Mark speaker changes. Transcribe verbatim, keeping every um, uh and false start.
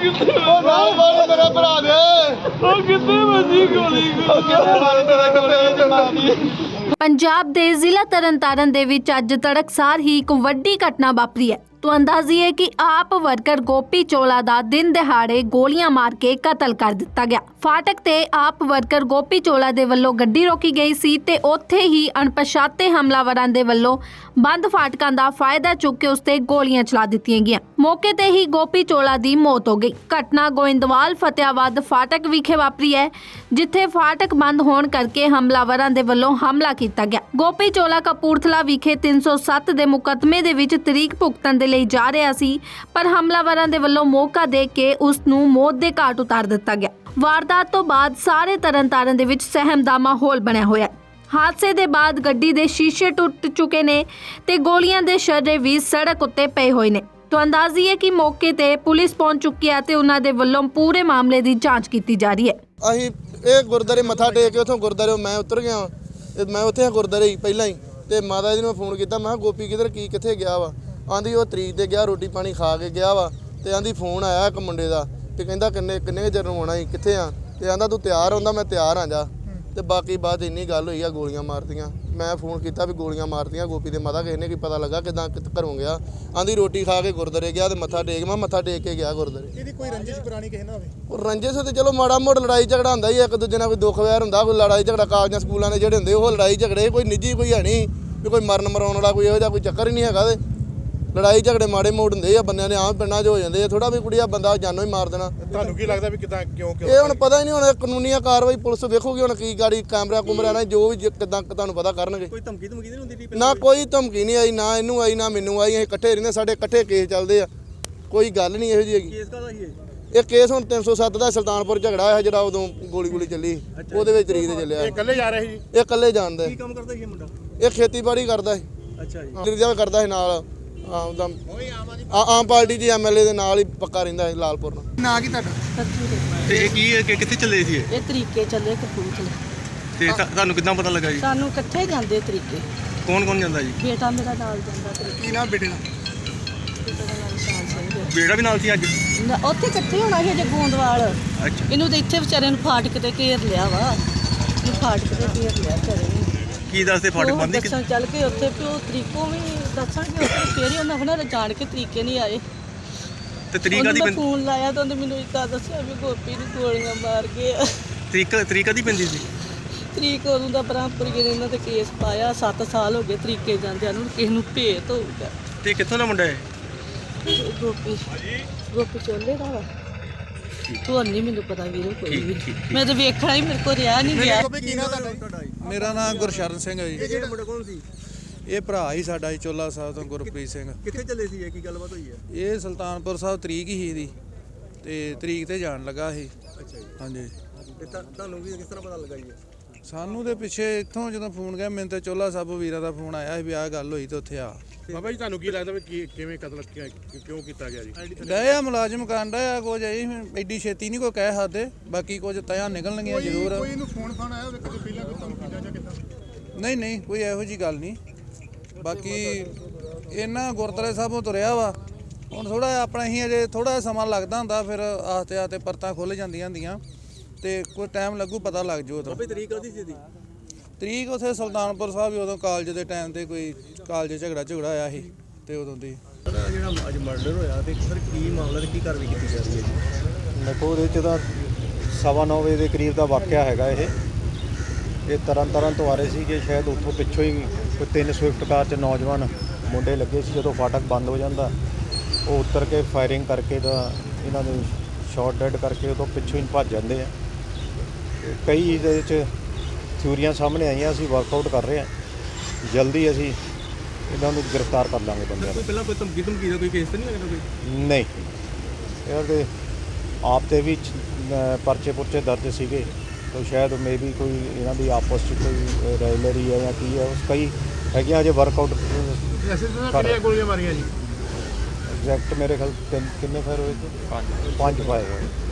Speaker 1: ਉਹ ਨਾਲ ਵਾਲੇ ਮੇਰੇ ਭਰਾ ਦੇ ਉਹ ਕਿੱਥੇ ਵੱਜੀ ਗੋਲੀ ਉਹ ਕਿੱਥੇ ਮਾਰੀ ਤੇਰਾ ਗੋਲੀ ਚ ਮਾਰੀ।
Speaker 2: ਪੰਜਾਬ ਦੇ ਜ਼ਿਲ੍ਹਾ ਤਰਨਤਾਰਨ ਦੇ ਵਿੱਚ ਅੱਜ ਤੜਕਸਾਰ ਹੀ ਇੱਕ ਵੱਡੀ ਘਟਨਾ ਵਾਪਰੀ ਹੈ। तो अंदाजी है कि आप वर्कर गोपी चोला ਦਾ दिन ਦਿਹਾੜੇ ਗੋਲੀਆਂ ਮਾਰ ਕੇ ਕਤਲ ਕਰ ਦਿੱਤਾ ਗਿਆ। ਫਾਟਕ ਤੇ ਆਪ ਵਰਕਰ ਗੋਪੀ ਚੋਲਾ ਦੇ ਵੱਲੋਂ ਗੱਡੀ ਰੋਕੀ ਗਈ ਸੀ ਤੇ ਉੱਥੇ ਹੀ ਅਣਪਛਾਤੇ ਹਮਲਾਵਰਾਂ ਦੇ ਵੱਲੋਂ ਬੰਦ ਫਾਟਕਾਂ ਦਾ ਫਾਇਦਾ ਚੁੱਕ ਕੇ ਉਸ ਤੇ ਗੋਲੀਆਂ ਚਲਾ ਦਿੱਤੀਆਂ ਗਈਆਂ। ਮੌਕੇ ਤੇ ਹੀ ਗੋਪੀ ਚੋਲਾ ਦੀ ਮੌਤ ਹੋ ਗਈ। ਘਟਨਾ ਗੋਇੰਦਵਾਲ ਫਤਿਆਬਾਦ ਫਾਟਕ ਵਿਖੇ ਵਾਪਰੀ ਹੈ, ਜਿੱਥੇ ਫਾਟਕ ਬੰਦ ਹੋਣ ਕਰਕੇ ਹਮਲਾਵਰਾਂ ਦੇ ਵੱਲੋਂ ਹਮਲਾ ਕੀਤਾ ਗਿਆ। ਗੋਪੀ ਚੋਲਾ ਕਪੂਰਥਲਾ ਵਿਖੇ ਤਿੰਨ ਸੌ ਸੱਤ ਦੇ ਮੁਕੱਦਮੇ ਦੇ ਵਿੱਚ ਤਰੀਕ ਭੁਗਤਣ ਦੇ ਲਈ ਜਾ ਰਿਹਾ ਸੀ, ਪਰ ਹਮਲਾਵਰਾਂ ਦੇ ਵੱਲੋਂ ਮੌਕਾ ਦੇ ਕੇ ਉਸ ਨੂੰ ਮੌਤ ਦੇ ਘਾਟ ਉਤਾਰ ਦਿੱਤਾ ਗਿਆ। ਵਾਰਦਾਤ ਤੋਂ ਬਾਅਦ ਸਾਰੇ ਤਰਨਤਾਰਨ ਦੇ ਵਿੱਚ ਸਹਿਮ ਦਾ ਮਾਹੌਲ ਬਣਿਆ ਹੋਇਆ ਹੈ। ਹਾਦਸੇ ਦੇ ਬਾਅਦ ਗੱਡੀ ਦੇ ਸ਼ੀਸ਼ੇ ਟੁੱਟ ਚੁੱਕੇ ਨੇ ਤੇ ਗੋਲੀਆਂ ਦੇ ਸ਼ਰੇ ਵੀ ਸੜਕ ਉੱਤੇ ਪਏ ਹੋਏ ਨੇ। तो अंदाजी है कि मौके ਤੇ ਪੁਲਿਸ ਪਹੁੰਚ ਚੁੱਕੀ ਹੈ ਤੇ ਉਹਨਾਂ ਦੇ ਵੱਲੋਂ ਪੂਰੇ ਮਾਮਲੇ ਦੀ ਜਾਂਚ ਕੀਤੀ ਜਾ ਰਹੀ ਹੈ।
Speaker 1: ਅਸੀਂ ਇਹ ਗੁਰਦਾਰੇ ਮੱਥਾ ਟੇਕ ਕੇ ਉਥੋਂ ਗੁਰਦਾਰੇ ਮੈਂ ਉਤਰ ਗਿਆ ਤੇ ਮੈਂ ਉੱਥੇ ਗੁਰਦਾਰੇ ਹੀ ਪਹਿਲਾਂ ਹੀ ਤੇ ਮਾਤਾ ਜੀ ਨੂੰ ਫੋਨ ਕੀਤਾ, ਮੈਂ ਗੋਪੀ ਕਿਧਰ ਕੀ ਕਿੱਥੇ ਗਿਆ ਵਾ। ਆਂਦੀ ਉਹ ਤਰੀਕ ਤੇ ਗਿਆ, ਰੋਟੀ ਪਾਣੀ ਖਾ ਕੇ ਗਿਆ ਵਾ ਤੇ ਆਂਦੀ ਫੋਨ ਆਇਆ ਇੱਕ ਮੁੰਡੇ ਦਾ ਤੇ ਕਹਿੰਦਾ ਕਿੰਨੇ ਕਿੰਨੇ ਚਿਰ ਨੂੰ ਆਉਣਾ ਸੀ, ਕਿੱਥੇ ਆ ਤੇ ਆਂਦਾ ਤੂੰ ਤਿਆਰ ਹੁੰਦਾ, ਮੈਂ ਤਿਆਰ ਆ ਜਾ। ਤੇ ਬਾਕੀ ਬਾਅਦ ਇੰਨੀ ਗੱਲ ਹੋਈ ਆ, ਗੋਲੀਆਂ ਮਾਰਤੀਆਂ। ਮੈਂ ਫੋਨ ਕੀਤਾ ਵੀ ਗੋਲੀਆਂ ਮਾਰਤੀਆਂ ਗੋਪੀ ਦੇ ਮਾਤਾ, ਕਿਸੇ ਨੇ ਕੀ ਪਤਾ ਲੱਗਾ ਕਿਦਾਂ ਘਰੋਂ ਗਿਆ। ਆਂਦੀ ਰੋਟੀ ਖਾ ਕੇ ਗੁਰਦਾਰੇ ਗਿਆ ਤੇ ਮੱਥਾ ਟੇਕ ਮੈਂ ਮੱਥਾ ਟੇਕ ਕੇ ਗਿਆ ਗੁਰਦਾਰੇ।
Speaker 3: ਇਹਦੀ ਕੋਈ ਰੰਜਿਸ਼ ਪੁਰਾਣੀ ਕਿਸੇ ਨਾਲ ਹੋਵੇ?
Speaker 1: ਉਹ ਰੰਜਿਸ਼ ਤੇ ਚਲੋ ਮਾੜਾ ਮੋੜ ਲੜਾਈ ਝਗੜਾ ਹੁੰਦਾ ਹੀ, ਇੱਕ ਦੂਜੇ ਨਾਲ ਕੋਈ ਦੁੱਖ ਵੈਰ ਹੁੰਦਾ, ਕੋਈ ਲੜਾਈ ਝਗੜਾ ਕਾਲਜਾਂ ਸਕੂਲਾਂ ਦੇ ਜਿਹੜੇ ਹੁੰਦੇ ਉਹ ਲੜਾਈ ਝਗੜੇ, ਕੋਈ ਨਿੱਜੀ ਕੋਈ ਹੈ ਨਹੀਂ ਵੀ ਕੋਈ ਮਰਨ ਮਰਾਉਣ ਵਾਲਾ ਕੋਈ ਇਹੋ ਜਿਹਾ ਕੋਈ ਚੱਕਰ ਹੀ ਨਹੀਂ ਹੈਗਾ। ਤੇ ਲੜਾਈ ਝਗੜੇ ਮਾੜੇ ਮੋੜ ਹੁੰਦੇ ਆ ਬੰਦਿਆਂ ਦੇ, ਆਮ ਪਿੰਡਾਂ 'ਚ ਹੋ ਜਾਂਦੇ ਆ। ਥੋੜਾ ਵੀ ਕੁੜੀਆ ਬੰਦਾ ਜਾਨੋਂ ਹੀ ਮਾਰ ਦੇਣਾ।
Speaker 3: ਤੁਹਾਨੂੰ ਕੀ ਲੱਗਦਾ ਵੀ ਕਿਦਾਂ ਕਿਉਂ ਕਿਉਂ
Speaker 1: ਇਹ ਹੁਣ ਪਤਾ ਹੀ ਨਹੀਂ, ਹੁਣ ਕਾਨੂੰਨੀਆ ਕਾਰਵਾਈ ਪੁਲਿਸ ਵੇਖੂਗੀ ਹੁਣ ਕੀ ਗਾੜੀ ਕੈਮਰਾ ਕੁਮਰਾ ਨਾਲ ਜੋ ਵੀ ਕਿਦਾਂ ਤੁਹਾਨੂੰ ਪਤਾ ਕਰਨਗੇ।
Speaker 3: ਕੋਈ ਧਮਕੀ ਧਮਕੀ ਨਹੀਂ ਹੁੰਦੀ?
Speaker 1: ਨਾ ਕੋਈ ਧਮਕੀ ਨਹੀਂ ਆਈ, ਨਾ ਇਹਨੂੰ ਆਈ ਨਾ ਮੈਨੂੰ ਆਈ। ਅਸੀਂ ਇਕੱਠੇ ਰਹਿੰਦੇ, ਸਾਡੇ ਇਕੱਠੇ ਕੇਸ ਚੱਲਦੇ ਆ, ਕੋਈ ਗੱਲ ਨਹੀਂ ਇਹੋ ਜਿਹੀ ਹੈਗੀ।
Speaker 3: ਕੇਸ ਕਾਹਦਾ ਸੀ
Speaker 1: ਇਹ ਕੇਸ ਹੁਣ ਤਿੰਨ ਸੌ ਸੱਤ ਦਾ ਸੁਲਤਾਨਪੁਰ ਝਗੜਾ ਹੋਇਆ ਜਿਹੜਾ ਉਦੋਂ ਗੋਲੀ ਗੋਲੀ ਚੱਲੀ, ਉਹਦੇ ਵਿੱਚ ਤਰੀਕ ਤੇ ਚੱਲਿਆ।
Speaker 3: ਇਹ ਇਕੱਲੇ ਜਾ ਰਹੇ ਸੀ?
Speaker 1: ਇਹ ਇਕੱਲੇ ਜਾਣਦਾ।
Speaker 3: ਕੀ ਕੰਮ ਕਰਦਾ ਸੀ ਇਹ ਮੁੰਡਾ?
Speaker 1: ਇਹ ਖੇਤੀਬਾੜੀ ਕਰਦਾ ਸੀ।
Speaker 3: ਅੱਛਾ ਜੀ।
Speaker 1: ਜਿਹੜਾ ਕਰਦਾ ਸੀ ਨਾਲ ਆਮ ਆਮ ਪਾਰਟੀ ਦੀ ਐਮਐਲਏ ਦੇ ਨਾਲ ਹੀ ਪੱਕਾ ਰਹਿੰਦਾ ਹੈ ਲਾਲਪੁਰ ਨਾਲ।
Speaker 3: ਨਾਂ ਕੀ ਤੁਹਾਡਾ?
Speaker 4: ਤੇ ਇਹ ਕੀ ਹੈ ਕਿ ਕਿੱਥੇ ਚੱਲੇ ਸੀ ਇਹ?
Speaker 5: ਇਹ ਤਰੀਕੇ ਚੱਲੇ ਕਪੂਰਥਲੇ।
Speaker 4: ਤੇ ਤੁਹਾ- ਤੁਹਾਨੂੰ ਕਿੱਦਾਂ ਪਤਾ ਲੱਗਾ ਜੀ?
Speaker 5: ਸਾਨੂੰ ਇਕੱਠੇ ਜਾਂਦੇ ਤਰੀਕੇ।
Speaker 4: ਕੌਣ ਕੌਣ ਜਾਂਦਾ ਜੀ?
Speaker 5: ਬੇਟਾ ਮੇਰਾ ਨਾਲ ਜਾਂਦਾ ਤਰੀਕੇ।
Speaker 3: ਕੀ ਨਾਮ ਬੇਟੇ ਦਾ?
Speaker 5: ਬੇਟੇ ਦਾ ਨਾਮ ਸ਼ਾਨ ਸਿੰਘ ਹੈ।
Speaker 4: ਬੇੜਾ ਵੀ ਨਾਲ ਸੀ ਅੱਜ?
Speaker 5: ਨਾ, ਉੱਥੇ ਇਕੱਠੇ ਹੋਣਾ ਸੀ ਅਜੇ ਗੋਂਦਵਾਲ।
Speaker 4: ਅੱਛਾ,
Speaker 5: ਇਹਨੂੰ ਤਾਂ ਇੱਥੇ ਵਿਚਾਰੇ ਨੂੰ ਫਾਟਕ ਤੇ ਘੇਰ ਲਿਆ ਵਾ। ਇਹਨੂੰ ਫਾਟਕ ਤੇ ਘੇਰ ਲਿਆ ਵਿਚਾਰੇ ਨੂੰ।
Speaker 4: ਕੀ ਦੱਸਦੇ ਫਾਟਕ
Speaker 5: ਉਹ
Speaker 4: ਬੰਦ ਹੀ?
Speaker 5: ਦੱਸਣ ਚੱਲ ਕੇ ਉੱਥੇ ਵੀ ਉਹ ਤਰੀਕੋਂ ਵੀ ਦੱਸਣਗੇ ਉੱਥੇ, ਫੇਰ ਹੀ ਉਹਨਾਂ ਹੋਣਾ ਜਾਣ ਕੇ ਤਰੀਕੇ ਨਹੀਂ ਆਏ।
Speaker 4: ਤੇ ਤਰੀਕਾ ਦੀ
Speaker 5: ਉਹਨੂੰ ਮੈਂ ਫੋਨ ਲਾਇਆ ਤਾਂ ਉਹਨੇ ਮੈਨੂੰ ਇੱਦਾਂ ਦੱਸਿਆ ਵੀ ਗੋਪੀ ਨੂੰ ਗੋਲੀਆਂ ਮਾਰ ਗਏ ਆ।
Speaker 4: ਤਰੀਕ ਤਰੀਕਾ ਦੀ ਪੈਂਦੀ ਸੀ?
Speaker 5: ਤਰੀਕ ਉਦੋਂ ਦਾ ਬ੍ਰਹਮਪੁਰੀ ਨੇ ਇਹਨਾਂ ਤੇ ਕੇਸ ਪਾਇਆ। ਸੱਤ ਸਾਲ ਹੋ ਗਏ ਤਰੀਕੇ ਜਾਂਦਿਆਂ ਨੂੰ, ਕਿਸੇ ਨੂੰ ਭੇਤ ਹੋਊਗਾ।
Speaker 4: ਤੇ ਕਿੱਥੋਂ ਦਾ ਮੁੰਡਾ ਹੈ?
Speaker 5: ਗੋਪੀ ਗੋਪੀ ਚੋਲੇ ਦਾ ਵਾ। ਤੂੰ ਨਹੀਂ ਮੈਨੂੰ ਪਤਾ ਵੀਰੋ ਕੋਈ ਵੀ।
Speaker 4: ਠੀਕ, ਠੀਕ।
Speaker 5: ਮੈਂ ਤਾਂ ਵੇਖਣਾ ਹੀ, ਮੇਰੇ ਕੋਲ ਰਿਹਾ ਨਹੀਂ ਗਿਆ।
Speaker 3: ਗੋਪੀ ਕੀ ਨਾਮ ਤੁਹਾਡਾ?
Speaker 6: ਮੇਰਾ ਨਾਮ ਗੁਰਸ਼ਰਨ ਸਿੰਘ ਹੈ ਜੀ।
Speaker 3: ਇਹ ਜਿਹੜਾ ਮੁੰਡਾ ਕੌਣ ਸੀ?
Speaker 6: ਇਹ ਭਰਾ ਹੀ ਸਾਡਾ ਜੀ, ਚੋਲਾ ਸਾਹਿਬ ਤੋਂ ਗੁਰਪ੍ਰੀਤ ਸਿੰਘ।
Speaker 3: ਕਿੱਥੇ ਚੱਲੇ ਸੀ ਇਹ? ਕੀ ਗੱਲਬਾਤ ਹੋਈ ਹੈ?
Speaker 6: ਇਹ ਸੁਲਤਾਨਪੁਰ ਸਾਹਿਬ ਤਰੀਕ ਹੀ ਇਹਦੀ ਤੇ ਤਰੀਕ ਤੇ ਜਾਣ ਲੱਗਾ ਇਹ।
Speaker 3: ਅੱਛਾ ਜੀ।
Speaker 6: ਹਾਂਜੀ।
Speaker 3: ਤੇ ਤੁਹਾ- ਤੁਹਾਨੂੰ ਵੀ ਕਿਸ ਤਰ੍ਹਾਂ ਪਤਾ ਲੱਗਾ ਜੀ?
Speaker 6: ਸਾਨੂੰ ਦੇ ਪਿੱਛੇ ਇੱਥੋਂ ਜਦੋਂ ਫੋਨ ਗਿਆ ਮੈਨੂੰ ਤੇ ਚੋਲਾ ਸਾਹਿਬ ਵੀਰਾਂ ਦਾ ਫੋਨ ਆਇਆ ਸੀ ਵੀ ਆਹ ਗੱਲ ਹੋਈ ਤੇ ਉੱਥੇ ਆ।
Speaker 3: ਬਾਬਾ ਜੀ ਤੁਹਾਨੂੰ ਕੀ ਲੱਗਦਾ ਵੀ ਕੀ ਕਿਵੇਂ ਕਤਲ ਕਿਉਂ ਕੀਤਾ ਗਿਆ ਜੀ?
Speaker 6: ਗਏ ਆ ਮੁਲਾਜ਼ਮ ਕਾਂਡਾ ਆ ਕੁਝ ਐ ਐਡੀ ਛੇਤੀ ਨਹੀਂ ਕੋਈ ਕਹਿ ਸਕਦੇ, ਬਾਕੀ ਕੁਝ ਤਿਆਂ ਨਿਕਲਣਗੀਆਂ ਜ਼ਰੂਰ।
Speaker 3: ਕੋਈ ਇਹਨੂੰ ਫੋਨ ਫਾਨ ਆਇਆ ਹੋਵੇ ਕਦੇ ਪਹਿਲਾਂ ਕੋਈ ਧਮਕੀ ਜਾਂ ਕਿੱਦਾਂ?
Speaker 6: ਨਹੀਂ ਨਹੀਂ ਕੋਈ ਇਹੋ ਜੀ ਗੱਲ ਨਹੀਂ। ਬਾਕੀ ਇਹਨਾਂ ਗੁਰਦੁਆਰੇ ਸਾਹਿਬੋਂ ਤੁਰਿਆ ਵਾ। ਹੁਣ ਥੋੜਾ ਆਪਣਾ ਹੀ ਅਜੇ ਥੋੜਾ ਸਮਾਂ ਲੱਗਦਾ ਹੁੰਦਾ, ਫਿਰ ਆਸਤੇ ਆਸਤੇ ਪਰਤਾਂ ਖੁੱਲ ਜਾਂਦੀਆਂ ਹੁੰਦੀਆਂ ਤੇ ਕੋਈ ਟਾਈਮ ਲੱਗੂ, ਪਤਾ ਲੱਗ ਜੂ ਉਦੋਂ।
Speaker 3: ਬਾਬੇ ਤਰੀਕ ਉਹਦੀ ਸੀ?
Speaker 6: ਤਰੀਕ ਉੱਥੇ ਸੁਲਤਾਨਪੁਰ ਸਾਹਿਬ ਹੀ ਉਦੋਂ ਕਾਲਜ ਦੇ ਟਾਈਮ ਤੇ ਕੋਈ ਕਾਲਜ ਝਗੜਾ ਝਗੜਾ ਆਇਆ ਸੀ ਤੇ ਉਦੋਂ ਦੀ।
Speaker 3: ਜਿਹੜਾ ਅੱਜ ਮਰਡਰ ਹੋਇਆ ਤੇ ਸਰ ਕੀ ਮਾਮਲਾ ਤੇ ਕੀ ਕਾਰਵਾਈ ਕੀਤੀ ਜਾ ਰਹੀ ਹੈ ਜੀ?
Speaker 7: ਦੇਖੋ ਉਹਦੇ 'ਚ ਤਾਂ ਸਵਾ ਨੌ ਵਜੇ ਦੇ ਕਰੀਬ ਦਾ ਵਾਕਿਆ ਹੈਗਾ ਇਹ। ਇਹ ਤਰਨ ਤਾਰਨ ਤੋਂ ਆ ਰਹੇ ਸੀ ਕਿ ਸ਼ਾਇਦ ਉੱਥੋਂ ਪਿੱਛੋਂ ਹੀ ਕੋਈ ਤਿੰਨ ਸਵਿਫਟ ਕਾਰ 'ਚ ਨੌਜਵਾਨ ਮੁੰਡੇ ਲੱਗੇ ਸੀ। ਜਦੋਂ ਫਾਟਕ ਬੰਦ ਹੋ ਜਾਂਦਾ ਉਹ ਉਤਰ ਕੇ ਫਾਇਰਿੰਗ ਕਰਕੇ ਤਾਂ ਇਹਨਾਂ ਦੇ ਸ਼ਾਟ ਡੈਡ ਕਰਕੇ ਉਦੋਂ ਪਿੱਛੋਂ ਹੀ ਭੱਜ ਜਾਂਦੇ ਆ। ਕਈ ਇਹਦੇ ਵਿੱਚ ਥਿਊਰੀਆਂ ਸਾਹਮਣੇ ਆਈਆਂ, ਅਸੀਂ ਵਰਕਆਊਟ ਕਰ ਰਹੇ ਹਾਂ। ਜਲਦੀ ਅਸੀਂ ਇਹਨਾਂ ਨੂੰ ਗ੍ਰਿਫਤਾਰ ਕਰ ਲਾਂਗੇ ਬੰਦਿਆਂ ਨੂੰ।
Speaker 3: ਪਹਿਲਾਂ ਕੋਈ ਧਮਕੀ ਧਮਕੀ ਦਾ ਕੋਈ ਕੇਸ ਤਾਂ ਨਹੀਂ ਲੱਗਦਾ ਕੋਈ?
Speaker 7: ਨਹੀਂ, ਇਹਨਾਂ ਦੇ ਆਪ 'ਤੇ ਵੀ ਪਰਚੇ ਪੁਰਚੇ ਦਰਜ ਸੀਗੇ ਤਾਂ ਸ਼ਾਇਦ ਮੇ ਵੀ ਕੋਈ ਇਹਨਾਂ ਦੀ ਆਪਸ 'ਚ ਕੋਈ ਰਾਈਵਲਰੀ ਹੈ ਜਾਂ ਕੀ ਹੈ, ਉਸ ਕਈ ਹੈਗੀਆਂ ਅਜੇ ਵਰਕਆਊਟ
Speaker 3: ਕਿੰਨੀਆਂ ਗੋਲੀਆਂ ਮਾਰੀਆਂ ਜੀ?
Speaker 7: ਐਗਜ਼ੈਕਟ ਮੇਰੇ ਖਿਆਲ ਤਿੰਨ ਕਿੰਨੇ ਫਾਇਰ ਹੋਏ ਸੀ? ਪੰਜ ਪੰਜ ਫਾਇਰ ਹੋਏ।